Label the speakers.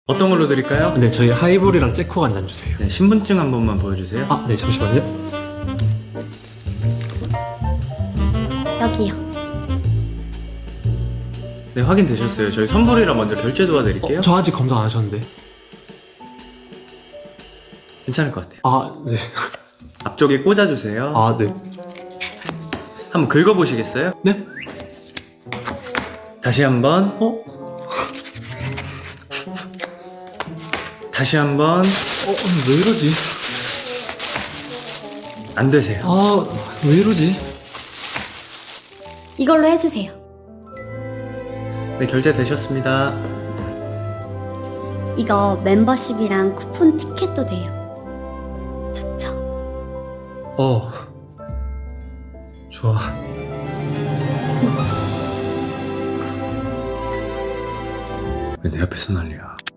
Speaker 1: 어떤 걸로 드릴까요?
Speaker 2: 네, 저희 하이볼이랑 째코 한 잔 주세요.
Speaker 1: 네, 신분증 한 번만 보여주세요.
Speaker 2: 아, 네, 잠시만요.
Speaker 3: 여기요.
Speaker 1: 네, 확인되셨어요. 저희 선불이라 먼저 결제 도와드릴게요.
Speaker 2: 저 아직 검사 안 하셨는데.
Speaker 1: 괜찮을 것 같아요.
Speaker 2: 아, 네.
Speaker 1: 앞쪽에 꽂아주세요.
Speaker 2: 아, 네.
Speaker 1: 한번 긁어보시겠어요?
Speaker 2: 네?
Speaker 1: 다시 한번. 다시 한번.
Speaker 2: 왜 이러지?
Speaker 1: 안 되세요.
Speaker 2: 아, 왜 이러지?
Speaker 3: 이걸로 해주세요.
Speaker 1: 네, 결제 되셨습니다.
Speaker 3: 이거 멤버십이랑 쿠폰 티켓도 돼요. 좋죠?
Speaker 2: 좋아.
Speaker 1: 왜 내 앞에서 난리야?